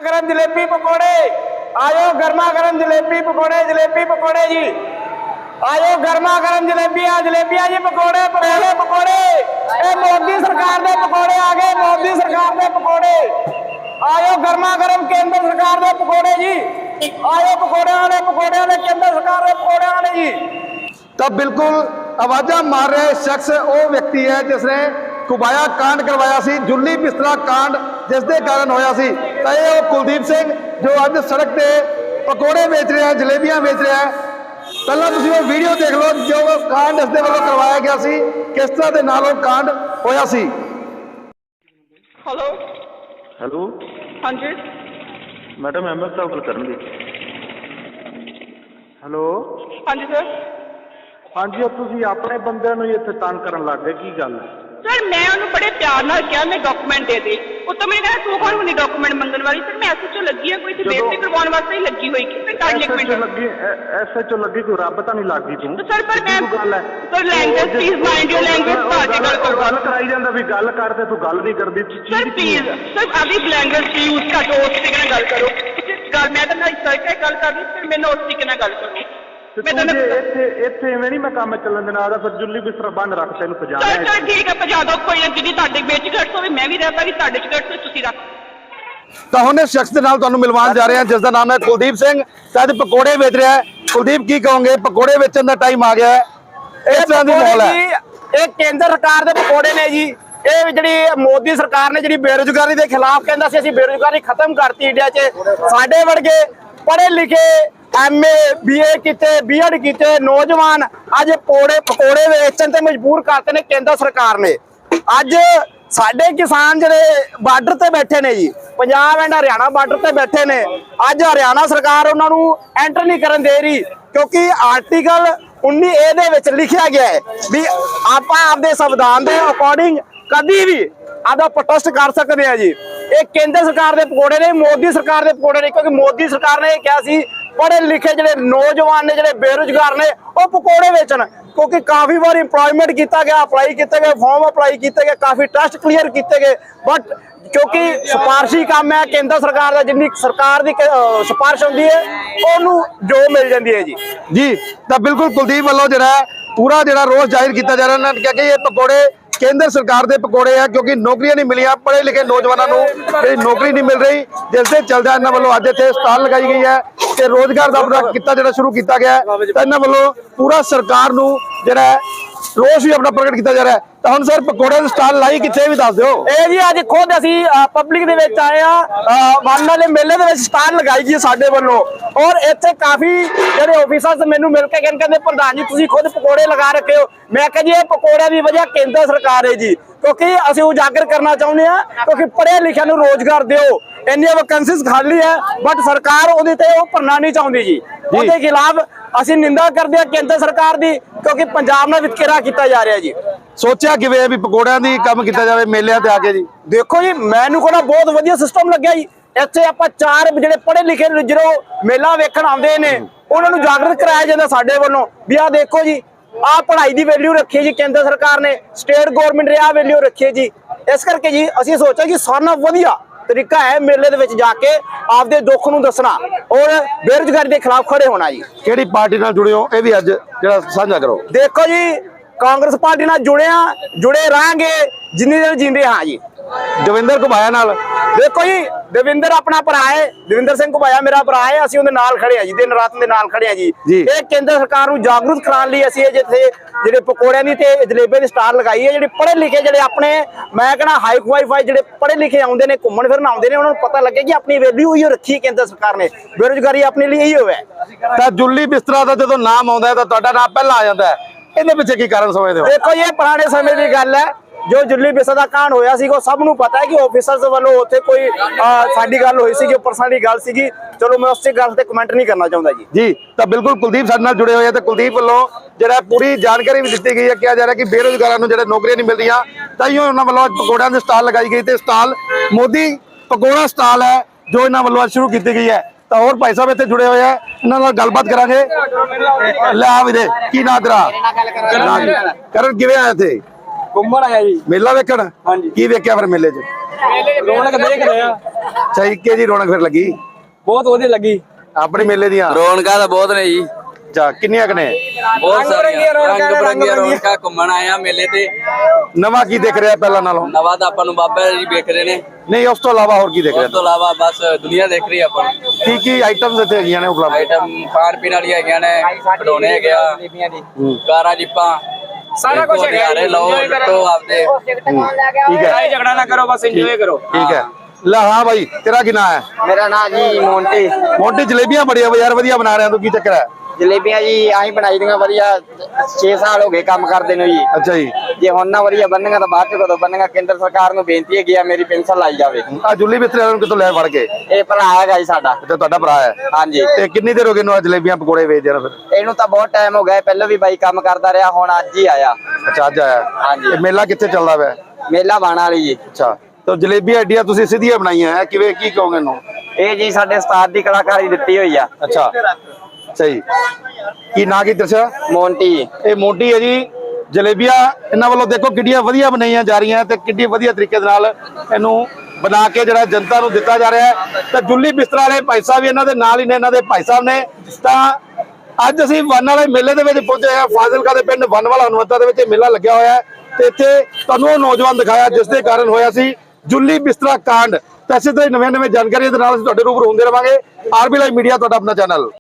गरम जलेबी पकौड़े आयो, गर्मा गर्म जलेबी पकौड़े जी आयो, गर्मा गर्म जलेबियां जी, पकौड़े पकौड़े पकौड़े। ये मोदी सरकार दे पकौड़े आ गए, मोदी सरकार दे पकौड़े आयो, गर्मा गर्म केंद्र सरकार दे पकौड़े जी आयो, पकौड़े वाले केंद्र सरकार दे पकौड़े वाले जी। तो बिल्कुल आवाजा मार रहे शख्स वो व्यक्ति है जिसने कुबाया कांड करवाया सी, जुल्ली बिस्तरा कांड जिसके कारण होया सी। तो ये कुलदीप सिंह जो अज सड़क पे पकौड़े बेच रहे हैं, जलेबियां बेच रहे हैं। पहला तुसीं वो वीडियो देख लो जो कांड इसके वालों करवाया गया सी, किस तरह के नाल वो कांड होया सी। हेलो हेलो हाँ जी मैडम अहमद साहब गल करन दी। हेलो हाँ जी सर। हाँ जी, तुसीं अपने बंदे नूं इत्थे तंग करन लग गए, की गल है? सर मैं उन्होंने बड़े प्यार नाल कहा मैं डॉक्यूमेंट दे दे, वो तो मैंने कहा तू कौन होनी डॉक्यूमेंट मंगन वाली। सर मैं एसएचओ लगी है, कोई बेइज्जती करवाने वास्ते ही लगी हुई कि एसएचओ लगी कोई रब तां नहीं लगी तू। तो सर पर मैं गल है sir language please mind your language party गल करो। गल कराई जांदा भी गल कर ते तू गल नहीं करदी। सर प्लीज सर अभी लैंग्वेज यूज कर दो, उस तरीके नाल गल करो। गल मैं तो ना इस तरीके गल करनी, फिर मैंने उस तरीके नाल गल करो। इत्थे इवें नहीं मैं काम चलन देना, फिर जुल्ली बिस्तरा बंद रख तैनूं पजा। सर ठीक है पजा दो, कोई ना जिन्नी तुहाडे बेच गट्स होवे मैं भी रहता भी तुहाडे च गट्स तुसीं रख। तो हुण इस शख्स के नाल तुहानूं मिलवान जा रहे हैं जिसका नाम है कुलदीप सिंह। शायद पकौड़े बेच रहा है। कुलदीप की कहोगे, पकौड़े बेचण का टाइम आ गया है, इस तरह की माहौल है। ये केंद्र सरकार दे पकौड़े ने जी। ये जिहड़ी मोदी सरकार ने जिहड़ी बेरोजगारी के खिलाफ कहंदा सी असीं बेरोजगारी खत्म करती इंडिया च, साडे वर्गे पढ़े लिखे MA BA किते BEd किते नौजवान अज पकौड़े वेचण ते मजबूर करते ने केंद्र सरकार ने। अज साडे किसान जिहड़े बार्डर ते बैठे ने जी, पंजाब एंड हरियाणा बार्डर ते बैठे ने, अज हरियाणा सरकार उन्हां नूं एंटर नहीं करन दे रही क्योंकि आर्टिकल 19A दे विच लिखिया गया है भी आपां आपदे संविधान दे अकॉर्डिंग कभी भी आपदा प्रोटेस्ट कर सकते हैं जी। ये केंद्र सरकार के पकौड़े ने, मोदी सरकार के पकौड़े ने, क्योंकि मोदी सरकार ने क्या सी पढ़े लिखे जिहड़े नौजवान ने जिहड़े बेरोजगार ने वो पकौड़े बेचण, क्योंकि काफ़ी बार इंप्लॉयमेंट किया गया, अप्लाई किए गए, फॉर्म अप्लाई किए गए, काफ़ी टेस्ट क्लीयर किए गए, बट क्योंकि सिफारशी काम है केंद्र सरकार का, जिन्नी सरकार की सिफारिश होती है उन्होंने जो मिल जाती है जी। तो बिल्कुल कुलदीप वालों जो पूरा जो रोष जाहिर किया जा रहा है क्योंकि ये पकौड़े केंद्र सरकार के पकौड़े है, क्योंकि नौकरियां नहीं मिलियां, पढ़े लिखे नौजवानों को नौकरी नहीं मिल रही, जिसके चलते इन्होंने वालों अज इत्थे स्टाल लगाई गई है कि रोजगार का अपना किता जो शुरू किया गया है। तो इन्होंने वालों पूरा सरकार नूं जिहड़ा रोष भी अपना प्रगट किया जा रहा है। तो हुण सर पकौड़े दी स्टाल लाई कित्थे भी दस दिओ। ਇਹ ਜੀ ਅੱਜ ਖੁਦ ਅਸੀਂ ਪਬਲਿਕ ਦੇ ਵਿੱਚ ਆਏ ਆ, ਵਨ ਵਾਲੇ ਮੇਲੇ ਦੇ ਵਿੱਚ ਸਟਾਲ ਲਗਾਈ ਗਈ ਸਾਡੇ ਵੱਲੋਂ, ਔਰ ਇੱਥੇ ਕਾਫੀ ਜਿਹੜੇ ਆਫੀਸਰਸ ਮੈਨੂੰ ਮਿਲ ਕੇ ਕਹਿੰਦੇ ਪ੍ਰਧਾਨ ਜੀ ਤੁਸੀਂ ਖੁਦ ਪਕੌੜੇ ਲਗਾ ਰੱਖੇ ਹੋ। ਮੈਂ ਕਿਹਾ ਜੀ ਇਹ ਪਕੌੜਿਆਂ ਦੀ ਵਜ੍ਹਾ ਕੇਂਦਰ ਸਰਕਾਰ ਹੈ ਜੀ, ਕਿਉਂਕਿ ਅਸੀਂ ਉਜਾਗਰ ਕਰਨਾ ਚਾਹੁੰਦੇ ਆ ਕਿਉਂਕਿ ਪੜ੍ਹੇ ਲਿਖਿਆਂ ਨੂੰ ਰੋਜ਼ਗਾਰ ਦਿਓ, ਇੰਨੀਆਂ ਵੈਕੈਂਸੀਜ਼ ਖਾਲੀ ਹੈ ਬਟ ਸਰਕਾਰ ਉਹਦੇ ਤੇ ਉਹ ਭਰਨਾ ਨਹੀਂ ਚਾਹੁੰਦੀ ਜੀ। ਉਹਦੇ ਖਿਲਾਫ ਅਸੀਂ ਨਿੰਦਾ ਕਰਦੇ ਆ ਕੇਂਦਰ ਸਰਕਾਰ ਦੀ, ਕਿਉਂਕਿ ਪੰਜਾਬ ਨਾਲ ਵਿਤਕਰਾ ਕੀਤਾ ਜਾ ਰਿਹਾ ਜੀ। सोचा कि भी पकौड़ियां दी काम किया जाए मेलियां ते आके जी। देखो जी मैनू कहना बहुत वधिया सिस्टम लग्या जी। इत्थे आपां चार जिहड़े पढ़े लिखे जो मेला वेखण आउंदे ने उन्हां नूं जागृत कराया जांदा साडे वल्लों भी आ देखो जी आ पढ़ाई दी वैल्यू रखी है जी केंद्र सरकार ने, स्टेट गवर्नमेंट ने आ वैल्यू रखी है जी। इस करके जी असीं सोचा कि सारे नाल वधिया तरीका है मेले दे विच जाके आपदे दुख नूं दसना और बेरोजगारी दे खिलाफ खड़े होना जी। किहड़ी पार्टी नाल जुड़े हो ये भी अज जिहड़ा साझा करो। देखो जी कांग्रेस पार्टी नाल जुड़े रहेंगे जिन्नी देर जींदे हाँ जी। दविंदर घुबाया नाल देखो जी दविंदर अपना भरा है, दविंदर सिंह घुबाया मेरा भरा है, असं उहदे नाल खड़े हैं जी, दिन रात उहदे नाल खड़े हैं जी। ये केंद्र सरकार नूं जागरूक कराने लई असीं जिथे जिहड़े पकौड़ियां दी ते जलेबियां दी स्टाल लगाई है। जिहड़े पढ़े लिखे जिहड़े अपने मैं कहना हाई क्वालीफाई जिहड़े पढ़े लिखे आउंदे ने घुम्मण फिरन आउंदे ने, उन्हां नूं पता लगे कि अपनी वैल्यू ही रखी है केंद्र सरकार ने, बेरोजगारी अपने लिए ही होवे। तां जुल्ली बिस्तरा दा जदों नाम आउंदा है तां तुहाडा नाम पहला आ जांदा है, ਇਹਦੇ ਪਿੱਛੇ ਕੀ ਕਾਰਨ ਸਮਝਦੇ ਹੋ? देखो ये पुराने समय की गल है, जो जुल्ली बिस्तर का कांड होया सी सब नूं पता है कि ऑफिसर्स वालों उत्थे कोई साडी गल होई सी, पर्सनली गल सी। चलो मैं उस गल ते कमेंट नहीं करना चाहता जी। तो बिल्कुल कुलदीप साडे नाल जुड़े हुए हैं तो कुलदीप वालों जिहड़ा पूरी जानकारी भी दी गई है, कहा जा रहा है कि बेरोजगारां नूं जिहड़े नौकरियां नहीं मिल रहीआं, ताईओ उन्हां वालों पकौड़ियां दी स्टाल लगाई गई, ते स्टाल मोदी पकौड़ा स्टाल है जो इन्हां वालों शुरू की गई है। तो और भाई साहब इतने जुड़े हुए हैं, इन्होंने गलबात करांगे। ले आ वीरे की ना तेरा करण किवें आए थे? घुम्मण आया जी, मेला वेखण। हाँ जी। की वेख्या फिर मेले च? ਰੌਣਕ ਦੇਖ ਰਹੇ ਆ, ਅੱਛਾ ਇੱਕੇ ਜੀ ਰੌਣਕ ਫਿਰ ਲੱਗੀ ਬਹੁਤ ਵਧੀਆ ਲੱਗੀ। ਆਪਣੇ ਮੇਲੇ ਦੀਆਂ? ਰੌਣਕਾਂ ਤਾਂ ਬਹੁਤ ਨੇ ਜੀ, ਅੱਛਾ ਕਿੰਨੀਆਂ ਕੁ ਨੇ? ਬਹੁਤ ਸਾਰੀਆਂ ਰੰਗ ਰੰਗ ਬਿਰੰਗੀਆਂ ਬਰੰਗੀਆਂ ਰੌਣਕਾਂ ਘੁੰਮਣ ਆਇਆ ਮੇਲੇ ਤੇ। ਨਵਾਂ ਕੀ ਦਿਖ ਰਿਹਾ ਪਹਿਲਾਂ ਨਾਲੋਂ? ਨਵਾਂ ਤਾਂ ਆਪਾਂ ਨੂੰ ਬਾਬਾ ਜੀ ਵੇਖ ਰਹੇ ਨੇ, ਨਹੀਂ ਉਸ ਤੋਂ ਇਲਾਵਾ ਹੋਰ ਕੀ ਦਿਖ ਉਸ ਰਿਹਾ? ਤੋਂ ਇਲਾਵਾ ਬਸ ਦੁਨੀਆ ਦੇਖ ਰਹੀ ਆਪਾਂ ਨੂੰ। ਕੀ ਕੀ ਆਈਟਮਸ ਇੱਥੇ ਹੈਗੀਆਂ ਨੇ ਉਪਲਬਧ? ਆਈਟਮ ਖਾਣ ਪੀਣ ਵਾਲੀਆਂ ਹੈਗੀਆਂ ਨੇ, ਖਿਡੌਣੇ ਹੈਗੇ ਆ, ਕਾਰਾਂ ਜਿੱਪਾਂ ਸਾਰਾ ਕੁਝ ਹੈਗਾ। ਨਜ਼ਾਰੇ ਲਓ ਲੁੱਟੋ ਆਪਦੇ। ਠੀਕ ਹੈ ਝਗੜਾ ਨਾ ਕਰੋ, ਬਸ ਇੰਜੋਏ ਕਰੋ। ਠੀਕ ਹੈ। ਲੈ ਹਾਂ ਭਾਈ ਤੇਰਾ ਕੀ ਨਾਂ ਹੈ? ਮੇਰਾ ਨਾਮ ਜੀ ਮੋਂਟੀ। ਮੋਟੀ ਜਲੇਬੀਆਂ ਬੜੀਆਂ ਯਾਰ ਵਧੀਆ ਬਣਾ ਰਿਹਾ ਤੂੰ, ਕੀ ਚੱਕਰ ਹੈ? ਜਲੇਬੀਆਂ ਜੀ ਆਹੀ ਬਣਾਈ ਦੀਆਂ ਵਧੀਆ, 6 ਸਾਲ ਹੋ ਗਏ ਕੰਮ ਕਰਦੇ ਨੂੰ ਜੀ। ਅੱਛਾ ਜੀ। ਜੇ ਹੁਣ ਨਾ ਵਧੀਆ ਬਣਨਗਾ ਤਾਂ ਬਾਅਦ ਚ ਕਦੋਂ ਬਣਨਗਾ? ਕੇਂਦਰ ਸਰਕਾਰ ਨੂੰ ਬੇਨਤੀ ਹੈਗੀ ਆ ਮੇਰੀ ਪੈਨਸ਼ਨ ਲਾਈ ਜਾਵੇ। ਆ ਜੁੱਲੀ ਬਿਸਤਰੇ ਵਾਲਿਆਂ ਨੂੰ ਕਿੱਥੋਂ ਲੈ ਫੜ ਕੇ? ਇਹ ਭਰਾ ਹੈਗਾ ਜੀ ਸਾਡਾ। ਤੇ ਤੁਹਾਡਾ ਭਰਾ ਹੈ? ਹਾਂਜੀ। ਤੇ ਕਿੰਨੀ ਦੇਰ ਹੋ ਗਈ ਇਹਨੂੰ ਆਹ ਜਲੇਬੀਆਂ ਪਕੌੜੇ ਵੇਚਦੇ ਨੇ ਫਿਰ? ਇਹਨੂੰ ਤਾਂ ਬਹੁਤ ਟਾਈਮ ਹੋ ਗਿਆ, ਪਹਿਲਾਂ ਵੀ ਬਾਈ ਕੰਮ ਕਰਦਾ ਰਿਹਾ, ਹੁਣ ਅੱਜ ਹੀ ਆਇਆ। ਅੱਛਾ ਅੱਜ ਆਇਆ? ਹਾਂਜੀ। ਤੇ ਮੇਲਾ ਕਿੱਥੇ ਚੱਲਦਾ ਪਿਆ? ਮੇਲਾ ਬਾਣਾ ਵਾਲੀ ਜੀ। ਅੱਛਾ ਤੇ ਜਲੇਬੀਆਂ ਐਡੀਆਂ ਤੁਸੀਂ ਸਿੱਧੀਆਂ ਬਣਾਈਆਂ ਹੈ, ਕਿਵੇਂ ਕੀ ਕਹੋਗੇ ਇਹਨੂੰ? ਇਹ ਜੀ ਸਾਡੇ ਉਸਤਾਦ ਦੀ ਕਲਾਕਾਰੀ ਦਿੱਤੀ ਹੋਈ ਆ। ਅੱਛਾ ਸਹੀ। ਕੀ ਨਾਂ ਕੀ ਦੱਸਿਆ? ਮੋਂਟੀ। ਇਹ ਮੋਟੀ ਹੈ ਜੀ। ਜਲੇਬੀਆਂ ਇਹਨਾਂ ਵੱਲੋਂ ਦੇਖੋ ਕਿੱਡੀਆਂ ਵਧੀਆ ਬਣਾਈਆਂ ਜਾ ਰਹੀਆਂ ਤੇ ਕਿੱਡੀ ਵਧੀਆ ਤਰੀਕੇ ਦੇ ਨਾਲ ਇਹਨੂੰ ਬਣਾ ਕੇ ਜਿਹੜਾ ਜਨਤਾ ਨੂੰ ਦਿੱਤਾ ਜਾ ਰਿਹਾ ਹੈ। ਤੇ ਜੁੱਲੀ ਬਿਸਤਰਾ ਵਾਲੇ ਭਾਈ ਸਾਹਿਬ ਵੀ ਇਹਨਾਂ ਦੇ ਨਾਲ ਹੀ ਨੇ, ਇਹਨਾਂ ਦੇ ਭਾਈ ਸਾਹਿਬ ਨੇ। ਤਾਂ ਅੱਜ ਅਸੀਂ ਵਨ ਵਾਲੇ ਮੇਲੇ ਦੇ ਵਿੱਚ ਪਹੁੰਚੇ ਹਾਂ, ਫਾਜ਼ਿਲਕਾ ਦੇ ਪਿੰਡ ਵਨਵਾਲਾ ਹਨੂੰਮੰਤਾ ਦੇ ਵਿੱਚ ਇਹ ਮੇਲਾ ਲੱਗਿਆ ਹੋਇਆ ਹੈ। ਤੇ ਇੱਥੇ ਤੁਹਾਨੂੰ ਉਹ ਨੌਜਵਾਨ ਦਿਖਾਇਆ ਜਿਸ ਦੇ ਕਾਰਨ ਹੋਇਆ ਸੀ ਜੁੱਲੀ ਬਿਸਤਰਾ ਕਾਂਡ। ਤਾਂ ਇਸੇ ਤਰ੍ਹਾਂ ਨਵੇਂ ਜਾਣਕਾਰੀ ਦੇ ਨਾਲ ਅਸੀਂ ਤੁਹਾਡੇ ਰੂਬਰੂ ਹੁੰਦੇ ਰਵਾਂਗੇ। ਆਰਬੀ ਲਾਈਵ ਮੀਡੀਆ ਤੁਹਾਡਾ ਆਪਣਾ ਚੈਨਲ।